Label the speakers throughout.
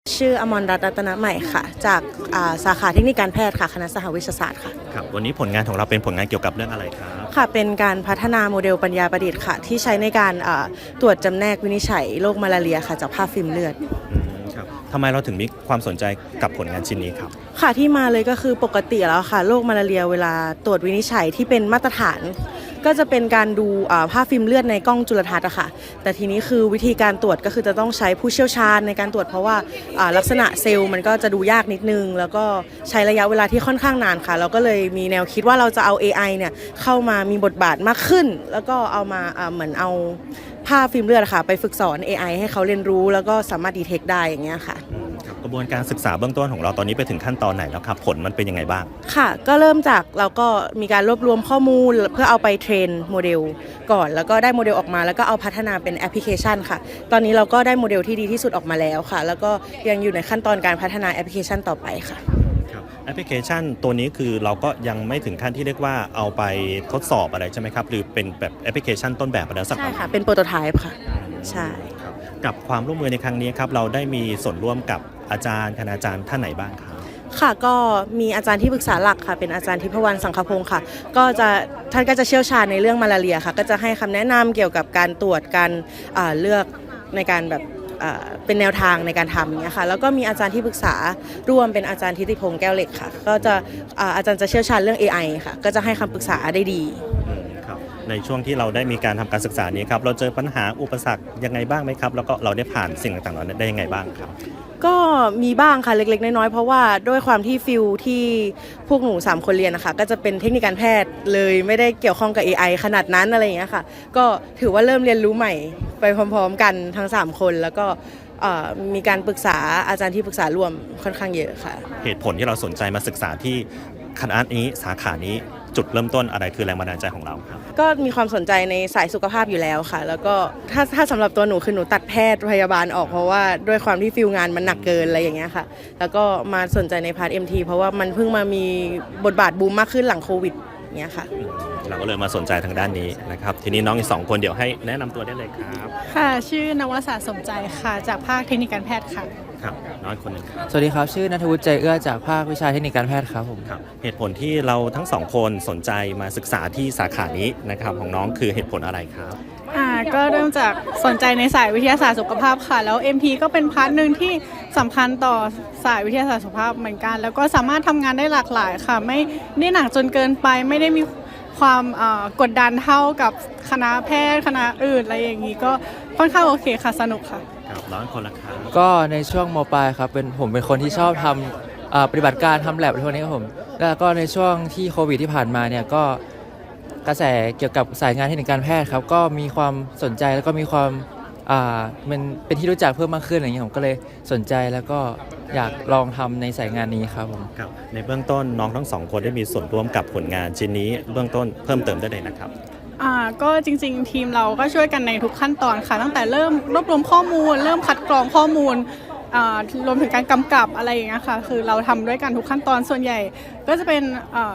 Speaker 1: ชื่ออมรรัตน์รัตนใหม่ค่ะจากสาขาเทคนิคการแพทย์ค่ะคณะสหวิชาศาสตร์ค่ะ
Speaker 2: ครับวันนี้ผลงานของเราเป็นผลงานเกี่ยวกับเรื่องอะไรครับ
Speaker 1: ค่ะเป็นการพัฒนาโมเดลปัญญาประดิษฐ์ค่ะที่ใช้ในการตรวจจำแนกวินิจฉัยโรคมาลาเรียค่ะจากภาพฟิล์มเลือด
Speaker 2: ครับทำไมเราถึงมีความสนใจกับผลงานชิ้นนี้ครับ
Speaker 1: ค่ะที่มาเลยก็คือปกติแล้วค่ะโรคมาลาเรียเวลาตรวจวินิจฉัยที่เป็นมาตรฐานก็จะเป็นการดูภาพฟิล์มเลือดในกล้องจุลทรรศน์อะค่ะแต่ทีนี้คือวิธีการตรวจก็คือจะต้องใช้ผู้เชี่ยวชาญในการตรวจเพราะว่าลักษณะเซลล์มันก็จะดูยากนิดนึงแล้วก็ใช้ระยะเวลาที่ค่อนข้างนานค่ะเราก็เลยมีแนวคิดว่าเราจะเอา AI เนี่ยเข้ามามีบทบาทมากขึ้นแล้วก็เอามาเหมือนเอาภาพฟิล์มเลือดค่ะไปฝึกสอน AI ให้เขาเรียนรู้แล้วก็สามารถดีเทคได้อย่างเงี้ยค่ะ
Speaker 2: กระบวนการศึกษาเบื้องต้นของเราตอนนี้ไปถึงขั้นตอนไหนแล้วครับผลมันเป็นยังไงบ้าง
Speaker 1: ค่ะก็เริ่มจากเราก็มีการรวบรวมข้อมูลเพื่อเอาไปเทรนโมเดลก่อนแล้วก็ได้โมเดลออกมาแล้วก็เอาพัฒนาเป็นแอปพลิเคชันค่ะตอนนี้เราก็ได้โมเดลที่ดีที่สุดออกมาแล้วค่ะแล้วก็ยังอยู่ในขั้นตอนการพัฒนาแอปพลิเคชันต่อไปค่ะ
Speaker 2: แอปพลิเคชันตัวนี้คือเราก็ยังไม่ถึงขั้นที่เรียกว่าเอาไปทดสอบอะไรใช่ไหมครับหรือเป็นแบบแอปพลิเคชันต้นแบบแล้วสัก
Speaker 1: ใช่ค่ะเป็นโปรโตไทป์ค่ะใช่
Speaker 2: กับความร่วมมือในครั้งนี้ครับเราได้มีส่วนร่วมกับอาจารย์คณาจารย์ท่านไหนบ้างครับ
Speaker 1: ค่ะก็มีอาจารย์ที่ปรึกษาหลักค่ะเป็นอาจารย์ทิพวรรณสังคพงศ์ค่ะก็จะท่านก็จะเชี่ยวชาญในเรื่องมาลาเรียค่ะก็จะให้คำแนะนำเกี่ยวกับการตรวจการเลือกในการแบบเป็นแนวทางในการทำเนี่ยค่ะแล้วก็มีอาจารย์ที่ปรึกษาร่วมเป็นอาจารย์ทิติพงษ์แก้วเหล็กค่ะก็จะอาจารย์จะเชี่ยวชาญเรื่อง AI ค่ะก็จะให้คำปรึกษาได้ดี
Speaker 2: ในช่วงที่เราได้มีการทำการศึกษานี้ครับเราเจอปัญหาอุปสรรคยังไงบ้างไหมครับแล้วก็เราได้ผ่านสิ่งต่างๆนั้นได้ยังไงบ้างครับ
Speaker 1: ก็มีบ้างค่ะเล็กๆน้อยๆเพราะว่าด้วยความที่ฟิลที่พวกหนู3คนเรียนนะคะก็จะเป็นเทคนิคการแพทย์เลยไม่ได้เกี่ยวข้องกับ AI ขนาดนั้นอะไรอย่างเงี้ยค่ะก็ถือว่าเริ่มเรียนรู้ใหม่ไปพร้อมๆกันทั้ง3คนแล้วก็มีการปรึกษาอาจารย์ที่ปรึกษาร่วมค่อนข้างเยอะค่ะ
Speaker 2: เหตุผลที่เราสนใจมาศึกษาที่คณะนี้สาขานี้จุดเริ่มต้นอะไรคือแรงบันดาลใจของเราครับ
Speaker 1: ก็มีความสนใจในสายสุขภาพอยู่แล้วค่ะแล้วก็ถ้าสำหรับตัวหนูคือหนูตัดแพทย์พยาบาลออกเพราะว่าด้วยความที่ฟิลงานมันหนักเกินอะไรอย่างเงี้ยค่ะแล้วก็มาสนใจในพาร์ท MT เพราะว่ามันเพิ่งมามีบทบาทบูมมากขึ้นหลังโควิดเงี้ยค่ะ
Speaker 2: เราก็เลยมาสนใจทางด้านนี้นะครับทีนี้น้องอีก2คนเดี๋ยวให้แนะนำตัวได้เลยครับ
Speaker 3: ค่ะชื่อนวศาสตร์สมใจค่ะจากภาคเทคนิคการแพทย์ค่ะ
Speaker 2: ครับน้องคนหนึ่งครับ
Speaker 4: สวัสดีครับชื่อณัฐวุฒิใจเอื้อจากภาควิชาเทคนิคการแพทย์ครับผม
Speaker 2: ครับเหตุผลที่เราทั้ง2คนสนใจมาศึกษาที่สาขานี้นะครับของน้องคือเหตุผลอะไรครับ
Speaker 3: ก็เริ่มจากสนใจในสายวิทยาศาสตร์สุขภาพค่ะแล้ว MT ก็เป็นพาร์ทหนึ่งที่สำคัญต่อสายวิทยาศาสตร์สุขภาพเหมือนกันแล้วก็สามารถทำงานได้หลากหลายค่ะไม่ได้หนักจนเกินไปไม่ได้มีความกดดันเท่ากับคณะแพทย์คณะอื่นอะไรอย่างนี้ก็ค่อนข้างโอเคค่ะสนุกค่ะ
Speaker 2: ครับร้อนคนละครับ
Speaker 4: ก็ในช่วงม.ปลายครับผมเป็นคนที่ชอบทำปฏิบัติการทำแลบอะไรพวกนี้ครับผมแล้วก็ในช่วงที่โควิดที่ผ่านมาเนี่ยก็กระแสเกี่ยวกับสายงานเทคนิคการแพทย์ครับก็มีความสนใจแล้วก็มีความมันเป็นที่รู้จักเพิ่มมากขึ้นอะไรอย่างเงี้ยผมก็เลยสนใจแล้วก็อยากลองทำในสายงานนี้ครับผม
Speaker 2: ครับในเบื้องต้นน้องทั้ง2คนได้มีส่วนร่วมกับผลงานชิ้นนี้เบื้องต้นเพิ่มเติมได้เลยนะครับ
Speaker 3: ก็จริงๆทีมเราก็ช่วยกันในทุกขั้นตอนค่ะตั้งแต่เริ่มรวบรวมข้อมูลเริ่มคัดกรองข้อมูลรวมถึงการกำกับอะไรอย่างเงี้ยค่ะคือเราทำด้วยกันทุกขั้นตอนส่วนใหญ่ก็จะเป็น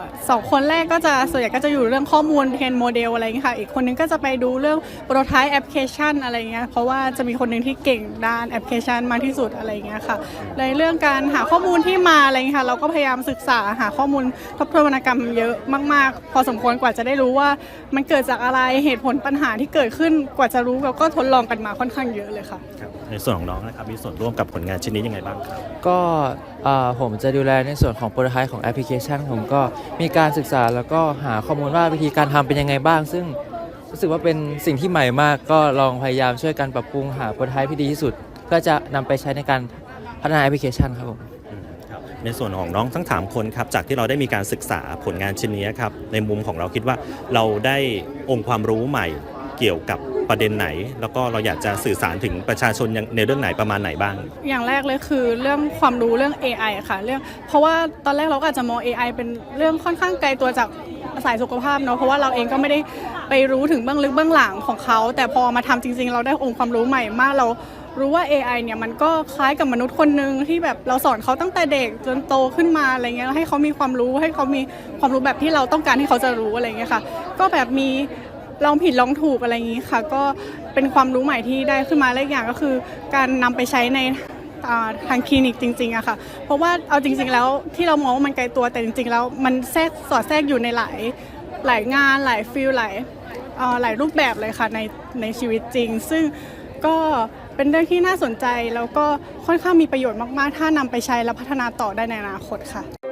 Speaker 3: 2คนแรกก็จะส่วนใหญ่ก็จะอยู่เรื่องข้อมูลเทรนโมเดลอะไรอย่างเงี้ยค่ะอีกคนนึงก็จะไปดูเรื่องโปรโตไทป์แอปพลิเคชันอะไรอย่างเงี้ยเพราะว่าจะมีคนนึงที่เก่งด้านแอปพลิเคชันมากที่สุดอะไรอย่างเงี้ยค่ะในเรื่องการหาข้อมูลที่มาอะไรอย่างเงี้ยค่ะเราก็พยายามศึกษาหาข้อมูลทบทวนวรรณกรรมเยอะมากๆพอสมควรกว่าจะได้รู้ว่ามันเกิดจากอะไรเหตุผลปัญหาที่เกิดขึ้นกว่าจะรู้เราก็ทดลองกันมาค่อนข้างเยอะเลยค่ะ
Speaker 2: ในส่วนของน้องนะครับมีส่วนร่วมกับผลงานชิ้นนี้ยังไงบ้างครับ
Speaker 4: ก็ผมจะดูแลในส่วนของโปรโตไทป์ของแอปพลิเคชันผมก็มีการศึกษาแล้วก็หาข้อมูลว่าวิธีการทำเป็นยังไงบ้างซึ่งรู้สึกว่าเป็นสิ่งที่ใหม่มากก็ลองพยายามช่วยกันปรับปรุงหาโปรโตไทป์ที่ดีที่สุดเพื่อจะนำไปใช้ในการพัฒนาแอปพลิเคชันครับผม
Speaker 2: ในส่วนของน้องทั้ง3คนครับจากที่เราได้มีการศึกษาผลงานชิ้นนี้ครับในมุมของเราคิดว่าเราได้องค์ความรู้ใหม่เกี่ยวกับประเด็นไหนแล้วก็เราอยากจะสื่อสารถึงประชาชนในเรื่องไหนประมาณไหนบ้าง
Speaker 3: อย่างแรกเลยคือเรื่องความรู้เรื่อง AI ค่ะเพราะว่าตอนแรกเราก็อาจจะมอง AI เป็นเรื่องค่อนข้างไกลตัวจากสายสุขภาพเนาะเพราะว่าเราเองก็ไม่ได้ไปรู้ถึงเบื้องลึกเบื้องหลังของเขาแต่พอมาทำจริงๆเราได้องค์ความรู้ใหม่มากเรารู้ว่า AI เนี่ยมันก็คล้ายกับมนุษย์คนนึงที่แบบเราสอนเขาตั้งแต่เด็กจนโตขึ้นมาอะไรเงี้ยให้เขามีความรู้ให้เขามีความรู้แบบที่เราต้องการให้เขาจะรู้อะไรเงี้ยค่ะก็แบบมีลองผิดลองถูกอะไรอย่างนี้ค่ะก็เป็นความรู้ใหม่ที่ได้ขึ้นมาและอีกอย่างก็คือการนำไปใช้ในทางคลินิกจริงๆอะค่ะเพราะว่าเอาจริงๆแล้วที่เรามองว่ามันไกลตัวแต่จริงๆแล้วมันสอดแทรกอยู่ในหลายงานหลายฟิลหลายรูปแบบเลยค่ะในชีวิตจริงซึ่งก็เป็นเรื่องที่น่าสนใจแล้วก็ค่อนข้างมีประโยชน์มากๆถ้านำไปใช้และพัฒนาต่อได้ในอนาคตค่ะ